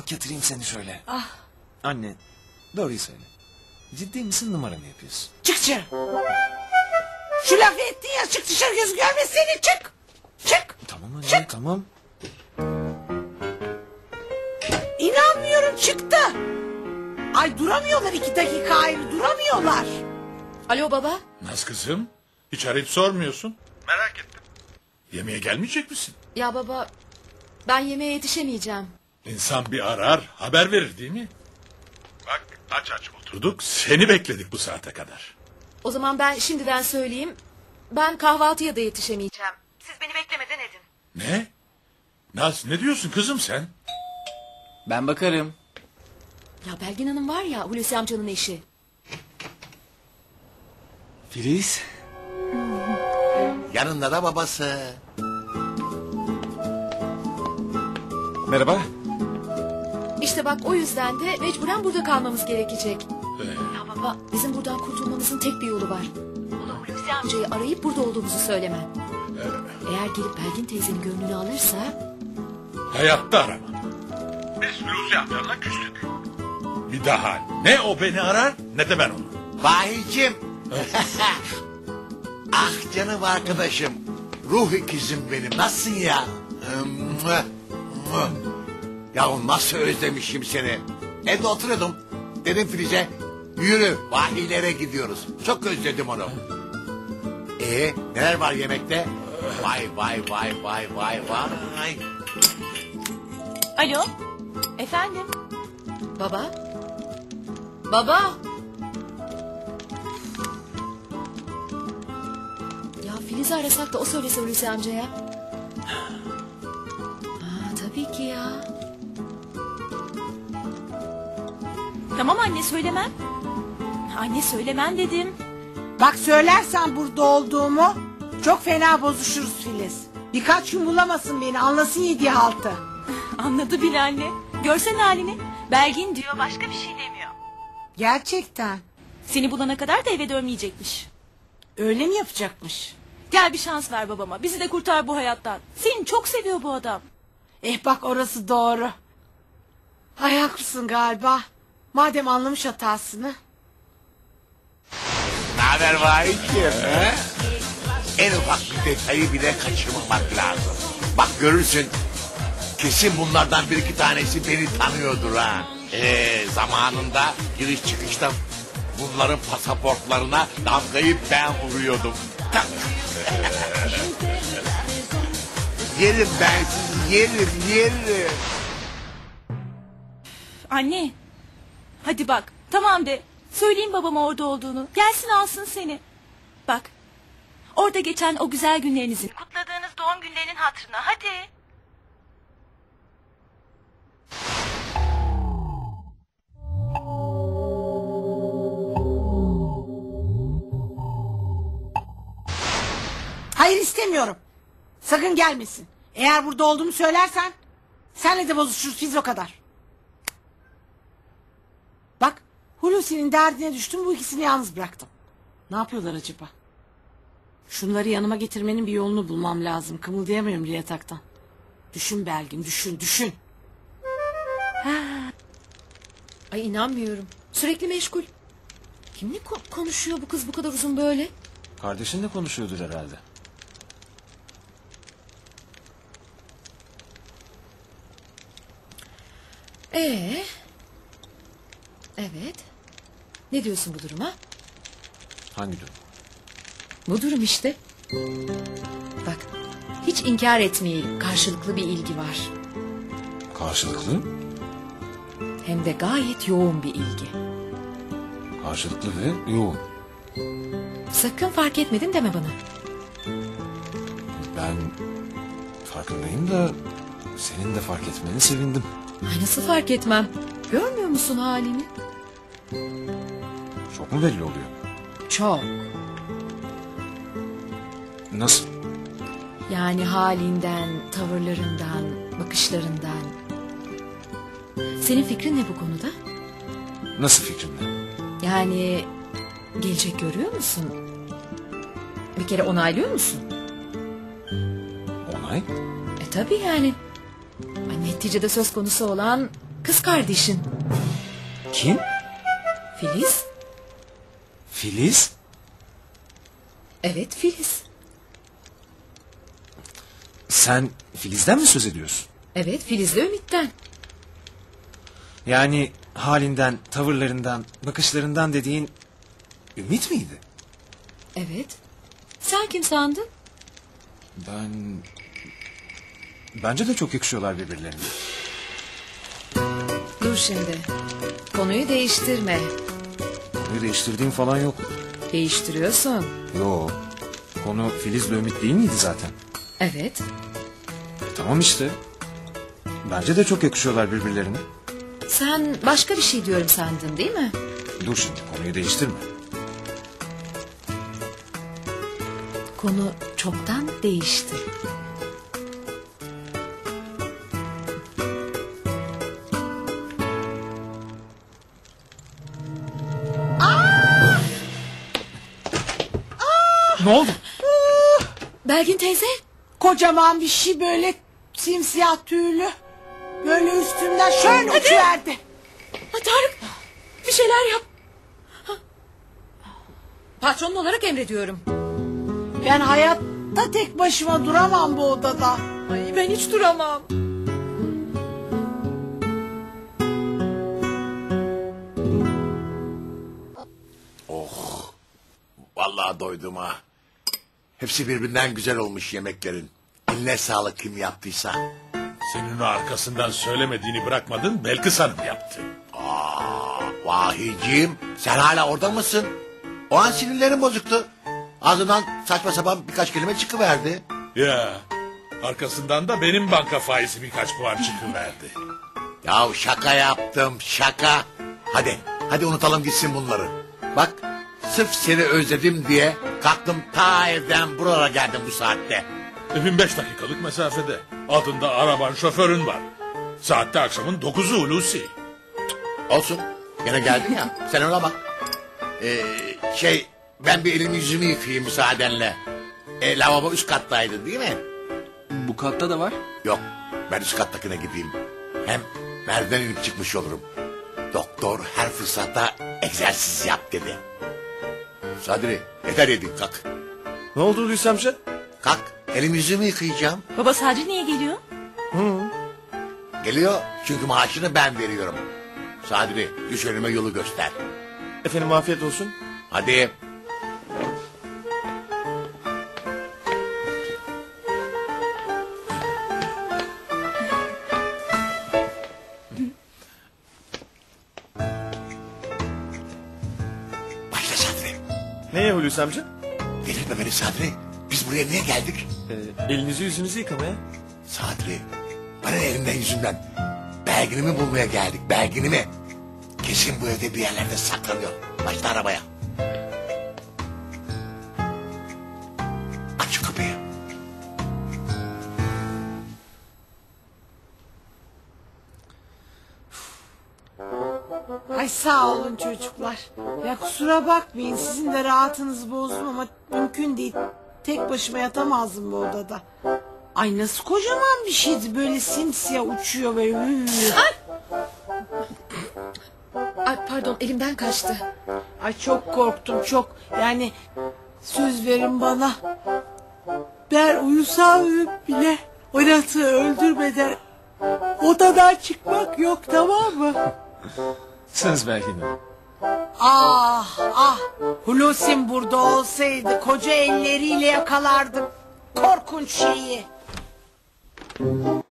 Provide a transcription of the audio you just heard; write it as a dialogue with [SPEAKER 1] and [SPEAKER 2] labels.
[SPEAKER 1] yatırayım seni şöyle.
[SPEAKER 2] Ah.
[SPEAKER 1] Anne, doğruyu söyle. Ciddi misin, numara mı yapıyorsun?
[SPEAKER 2] Çık dışarı. Şu lafı ettin ya, çık dışarı, göz görmez seni, çık. Çık.
[SPEAKER 1] Tamam anne,
[SPEAKER 2] Çık.
[SPEAKER 1] tamam.
[SPEAKER 2] İnanmıyorum, çıktı. Ay duramıyorlar 2 dakika ayrı, duramıyorlar.
[SPEAKER 3] Alo baba.
[SPEAKER 4] Naz kızım, hiç arayıp sormuyorsun. Merak ettim. Yemeğe gelmeyecek misin?
[SPEAKER 3] Ya baba, ben yemeğe yetişemeyeceğim.
[SPEAKER 4] İnsan bir arar, haber verir değil mi? Bak aç aç oturduk, seni bekledik bu saate kadar.
[SPEAKER 3] O zaman ben şimdiden söyleyeyim. Ben kahvaltıya da yetişemeyeceğim. Siz beni beklemeden edin.
[SPEAKER 4] Ne? Naz ne diyorsun kızım sen?
[SPEAKER 1] Ben bakarım.
[SPEAKER 3] Ya Belgin Hanım var ya, Hulusi amcanın eşi.
[SPEAKER 1] Filiz.
[SPEAKER 5] Yanında da babası.
[SPEAKER 1] Merhaba.
[SPEAKER 3] İşte bak, o yüzden de mecburen burada kalmamız gerekecek. Ya baba, bizim buradan kurtulmamızın tek bir yolu var. Hulusi amcayı arayıp burada olduğumuzu söylemen. Eğer gelip Belgin teyzenin gönlünü alırsa...
[SPEAKER 4] Hayatta arama. Biz Hulusi amcanla küstük. Bir daha ne o beni arar ne de ben onu.
[SPEAKER 5] Vahicim. Ah canım arkadaşım. Ruh ikizim benim. Nasılsın ya? Ya nasıl özlemişim seni. Evde oturuyordum. Dedim Filiz'e yürü vahilere gidiyoruz. Çok özledim onu. Neler var yemekte? Vay vay vay vay vay vay.
[SPEAKER 6] Alo, efendim?
[SPEAKER 3] Baba? Baba? Ya Filiz'i arasak da o söylese Hulusi amcaya. Tabii ki ya.
[SPEAKER 6] Tamam anne, söylemem. Anne söylemem dedim.
[SPEAKER 2] Bak söylersen burada olduğumu çok fena bozuşuruz Filiz. Birkaç gün bulamasın beni, anlasın yediği haltı.
[SPEAKER 6] Anladı bile anne. Görsen halini. Belgin diyor, başka bir şey demiyor.
[SPEAKER 2] Gerçekten.
[SPEAKER 6] Seni bulana kadar da eve dönmeyecekmiş.
[SPEAKER 2] Öyle mi yapacakmış?
[SPEAKER 6] Gel bir şans ver babama. Bizi de kurtar bu hayattan. Seni çok seviyor bu adam.
[SPEAKER 2] Bak orası doğru. Ay haklısın galiba. Madem anlamış hatasını.
[SPEAKER 5] Naber vahicim? En ufak bir detayı bile kaçırmamak lazım. Bak görürsün. Kesin bunlardan bir iki tanesi beni tanıyordur ha. Zamanında giriş çıkışta bunların pasaportlarına damgayı ben vuruyordum. Yerim ben sizi, yerim.
[SPEAKER 6] Anne. Hadi bak. Tamam de. Söyleyin babama orada olduğunu. Gelsin alsın seni. Bak. Orada geçen o güzel günlerinizin, kutladığınız doğum günlerinin hatırına. Hadi.
[SPEAKER 2] Hayır istemiyorum. Sakın gelmesin. Eğer burada olduğumu söylersen senle de bozuşuruz Filiz, o kadar. Bak Hulusi'nin derdine düştüm, bu ikisini yalnız bıraktım. Ne yapıyorlar acaba? Şunları yanıma getirmenin bir yolunu bulmam lazım. Kımıldayamıyorum bile yataktan. Düşün Belgin, düşün.
[SPEAKER 3] Ay inanmıyorum. Sürekli meşgul. Kimle konuşuyor bu kız bu kadar uzun böyle?
[SPEAKER 1] Kardeşinle konuşuyordur herhalde.
[SPEAKER 3] Evet. Ne diyorsun bu duruma?
[SPEAKER 1] Hangi durum?
[SPEAKER 3] Bu durum işte. Bak, hiç inkar etmeyelim. Karşılıklı bir ilgi var.
[SPEAKER 1] Karşılıklı?
[SPEAKER 3] Hem de gayet yoğun bir ilgi.
[SPEAKER 1] Karşılıklı ve yoğun.
[SPEAKER 3] Sakın fark etmedin deme bana.
[SPEAKER 1] Ben farkındayım da senin de fark etmeni sevindim.
[SPEAKER 3] Ay nasıl fark etmem? Görmüyor musun halini?
[SPEAKER 1] Çok mu belli oluyor?
[SPEAKER 3] Çok.
[SPEAKER 1] Nasıl?
[SPEAKER 3] Yani halinden, tavırlarından, bakışlarından. Senin fikrin ne bu konuda?
[SPEAKER 1] Nasıl fikrimle?
[SPEAKER 3] Yani gelecek görüyor musun? Bir kere onaylıyor musun?
[SPEAKER 1] Onay?
[SPEAKER 3] Tabii yani. Ay, neticede söz konusu olan Kız kardeşin.
[SPEAKER 1] Kim?
[SPEAKER 3] Filiz.
[SPEAKER 1] Filiz?
[SPEAKER 3] Evet, Filiz.
[SPEAKER 1] Sen Filiz'den mi söz ediyorsun?
[SPEAKER 3] Evet, Filiz'le Ümit'ten.
[SPEAKER 1] Yani halinden, tavırlarından, bakışlarından dediğin Ümit miydi?
[SPEAKER 3] Evet. Sen kim sandın?
[SPEAKER 1] Bence de çok yakışıyorlar birbirlerine.
[SPEAKER 3] Dur şimdi. Konuyu değiştirme.
[SPEAKER 1] Konuyu değiştirdiğim falan yok.
[SPEAKER 3] Değiştiriyorsun.
[SPEAKER 1] Yo. Konu Filiz'le Ümit değil miydi zaten?
[SPEAKER 3] Evet.
[SPEAKER 1] Tamam işte. Bence de çok yakışıyorlar birbirlerine.
[SPEAKER 3] Sen başka bir şey diyorum sandın değil mi?
[SPEAKER 1] Dur şimdi, konuyu değiştirme.
[SPEAKER 3] Konu çoktan değişti.
[SPEAKER 1] Ne oldu?
[SPEAKER 3] Belgin teyze.
[SPEAKER 2] Kocaman bir şey böyle simsiyah tüylü. Böyle üstümden şöyle uçuverdi.
[SPEAKER 3] Ha, Tarık bir şeyler yap. Ha. Patron olarak emrediyorum.
[SPEAKER 2] Ben hayatta tek başıma duramam bu odada.
[SPEAKER 3] Ay, ben hiç duramam.
[SPEAKER 5] Vallahi doydum ha. Hepsi birbirinden güzel olmuş yemeklerin. Eline sağlık kim yaptıysa.
[SPEAKER 4] Senin o arkasından söylemediğini bırakmadın, Belkıs Hanım yaptı.
[SPEAKER 5] Vahiciğim sen hala orada mısın? O an sinirlerim bozuktu. Ağzından saçma sapan birkaç kelime çıkıverdi.
[SPEAKER 4] Ya, arkasından da benim banka faizi birkaç puan çıkıverdi.
[SPEAKER 5] Ya şaka yaptım şaka. Hadi unutalım gitsin bunları. Bak sırf seni özledim diye kalktım ta evden buralara geldim bu saatte.
[SPEAKER 4] Evin 5 dakikalık mesafede. Altında araban, şoförün var. Saatte akşamın 9'u Hulusi.
[SPEAKER 5] Olsun gene geldin ya sen ona bak. Ben bir elimi yüzümü yıkayayım müsaadenle. Lavabo üst kattaydı değil mi?
[SPEAKER 1] Bu katta da var.
[SPEAKER 5] Yok ben üst kattakine gideyim. Hem merdiven inip çıkmış olurum. Doktor her fırsatta egzersiz yap dedi. Sadri yeter yedin kalk.
[SPEAKER 1] Ne oldu Hulusi amca?
[SPEAKER 5] Kalk elimi yüzümü yıkayacağım.
[SPEAKER 6] Baba Sadri niye geliyor?
[SPEAKER 5] Geliyor çünkü maaşını ben veriyorum. Sadri düş önüme yolu göster.
[SPEAKER 1] Efendim afiyet olsun.
[SPEAKER 5] Hadi. Başla Sadri.
[SPEAKER 7] Neye Hulusi amca?
[SPEAKER 5] Delirtme beni Sadri. Biz buraya niye geldik?
[SPEAKER 7] Elinizi yüzünüzü yıkamaya.
[SPEAKER 5] Sadri. Bana elimden yüzümden. Belginimi bulmaya geldik. Belginimi. Kesin bu evde bir yerlerde saklanıyor. Başla arabaya. Aç şu kapıyı.
[SPEAKER 2] Ay sağ olun çocuklar. Ya kusura bakmayın sizin de rahatınızı bozdum ama mümkün değil. Tek başıma yatamazdım bu odada. Ay nasıl kocaman bir şeydi böyle simsiyah uçuyor böyle.
[SPEAKER 3] Ay, pardon elimden kaçtı.
[SPEAKER 2] Ay çok korktum çok. Yani söz verin bana. Ben uyusam bile o yaratığı öldürmeden odadan çıkmak yok tamam mı?
[SPEAKER 1] Söz Belgin Hanım.
[SPEAKER 2] Ah Hulusi'm burada olsaydı koca elleriyle yakalardım korkunç şeyi.